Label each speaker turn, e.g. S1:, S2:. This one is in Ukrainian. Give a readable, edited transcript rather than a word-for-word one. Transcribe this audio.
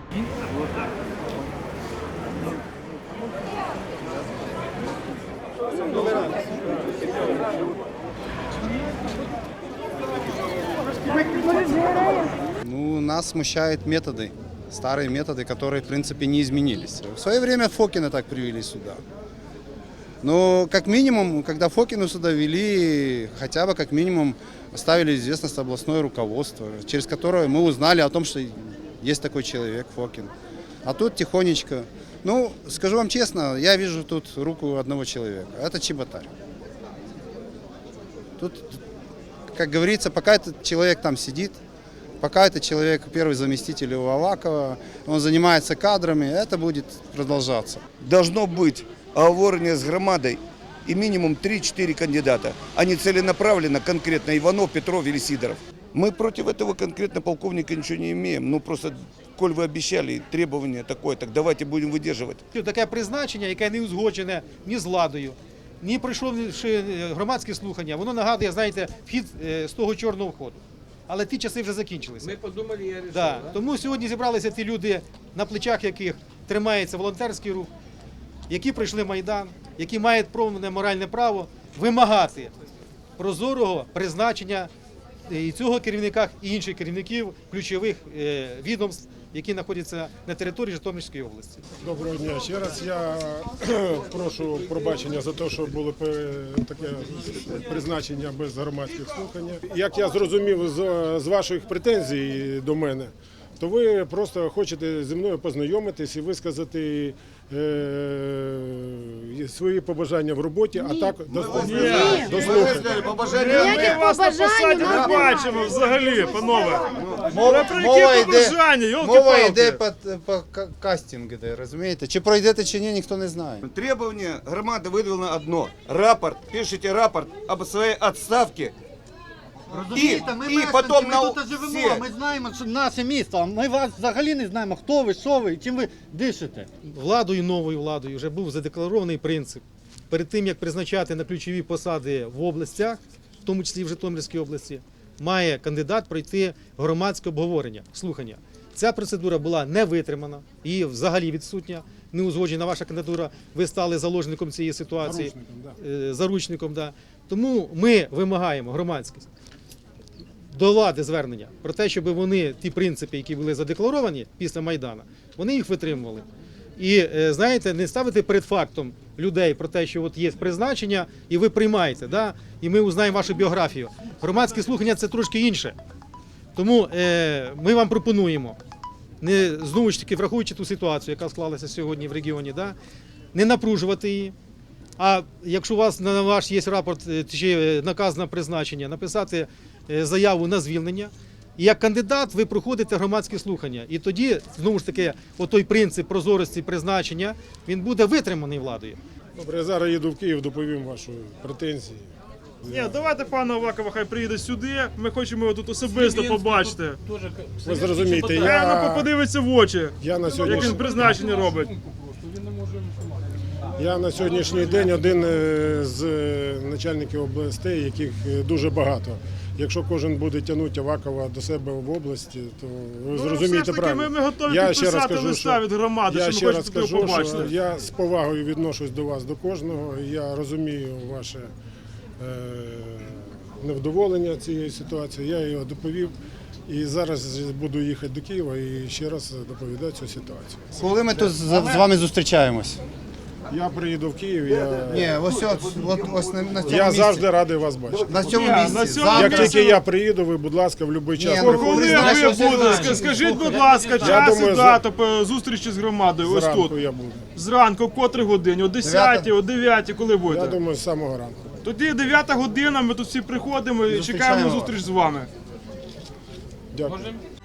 S1: Ну, нас смущают методы, старые методы, которые, в принципе, не изменились. В свое время Фокина так привели сюда. Но, как минимум, когда Фокину сюда вели, хотя бы, как минимум, оставили известность областное руководство, через которое мы узнали о том, что есть такой человек, Фокин. А тут тихонечко. Ну, скажу вам честно, я вижу тут руку одного человека. Это Чеботарь. Тут, как говорится, пока этот человек там сидит, пока этот человек первый заместитель у Авакова, он занимается кадрами, это будет продолжаться.
S2: Должно быть оговорение с громадой и минимум 3-4 кандидата, а не целенаправленно конкретно Иванов, Петров или Сидоров. Мы против этого конкретно полковника ничего не имеем. Ну просто, коль ви обіцяли требування таке, так давайте будемо видержувати.
S3: Таке призначення, яке не узгоджене ні з владою, ні пройшовши громадські слухання, воно нагадує, знаєте, вхід з того чорного входу. Але ті часи вже закінчилися.
S4: Ми подумали, я вирішив.
S3: Да. Тому сьогодні зібралися ті люди, на плечах яких тримається волонтерський рух, які пройшли Майдан, які мають повне моральне право вимагати прозорого призначення і цього керівника, і інших керівників ключових відомств, які знаходяться на території Житомирської області.
S5: Доброго дня ще раз. Я прошу пробачення за те, що було таке призначення без громадських слухань. Як я зрозумів з ваших претензій до мене, то ви просто хочете зі мною познайомитись і висказати свої побажання в роботі, а так дослухати.
S6: Ніяких побажань
S7: не бачимо взагалі, панове.
S1: Мова йде по кастингу, розумієте? Чи пройдете, чи ні, ніхто не знає.
S2: Требование громады выдвинуло одно. Рапорт, пишите рапорт об своей отставке.
S8: Розумієте, ми мешканці, ми тут живемо, ми знаємо, що наше місто, ми вас взагалі не знаємо, хто ви, що ви, чим ви дишите.
S3: Владою, новою владою вже був задекларований принцип. Перед тим, як призначати на ключові посади в областях, в тому числі в Житомирській області, має кандидат пройти громадське обговорення, слухання. Ця процедура була не витримана і взагалі відсутня, не узгоджена ваша кандидатура, ви стали заложником цієї ситуації, заручником. Да. Тому ми вимагаємо громадськість до влади звернення про те, щоб вони ті принципи, які були задекларовані після Майдану, вони їх витримували. І, знаєте, не ставити перед фактом людей про те, що от є призначення, і ви приймаєте, да? І ми узнаємо вашу біографію. Громадські слухання – це трошки інше. Тому ми вам пропонуємо, знову ж таки, враховуючи ту ситуацію, яка склалася сьогодні в регіоні, да? Не напружувати її. А якщо у вас на ваш є рапорт чи наказ на призначення, написати заяву на звільнення. І як кандидат ви проходите громадські слухання. І тоді, знову ж таки, отой принцип прозорості призначення, він буде витриманий владою.
S5: Добре, я зараз їду в Київ, доповім ваші претензії.
S7: Ні, давайте пана Авакова хай приїде сюди, ми хочемо його тут особисто побачити.
S5: Ви зрозумієте,
S7: Я подивиться в очі,
S5: як
S7: він призначення робить.
S5: Я на сьогоднішній день один з начальників областей, яких дуже багато. Якщо кожен буде тягнути Авакова до себе в області, то ви зрозумієте правильно.
S7: Ми готові підписати листа від громади, що ми хочемо його побачити.
S5: Я з повагою відношусь до вас, до кожного. Я розумію ваше невдоволення цією ситуацією. Я його доповів. І зараз буду їхати до Києва і ще раз доповідати цю ситуацію.
S1: Коли ми тут з вами зустрічаємось?
S5: Я приїду в Київ, я завжди радий вас бачити.
S1: На цьому місці.
S5: Як тільки я приїду, ви, будь ласка, в будь-який час приходьте.
S7: Коли ви будете? Скажіть, будь ласка, час і дату зустрічі з громадою. Ось тут.
S5: Я буду.
S7: Зранку, в котрій годині? О 10, о 9, коли будете?
S5: Я думаю, з самого ранку.
S7: Тоді 9 година, ми тут всі приходимо і чекаємо на зустріч з вами.
S5: Дякую.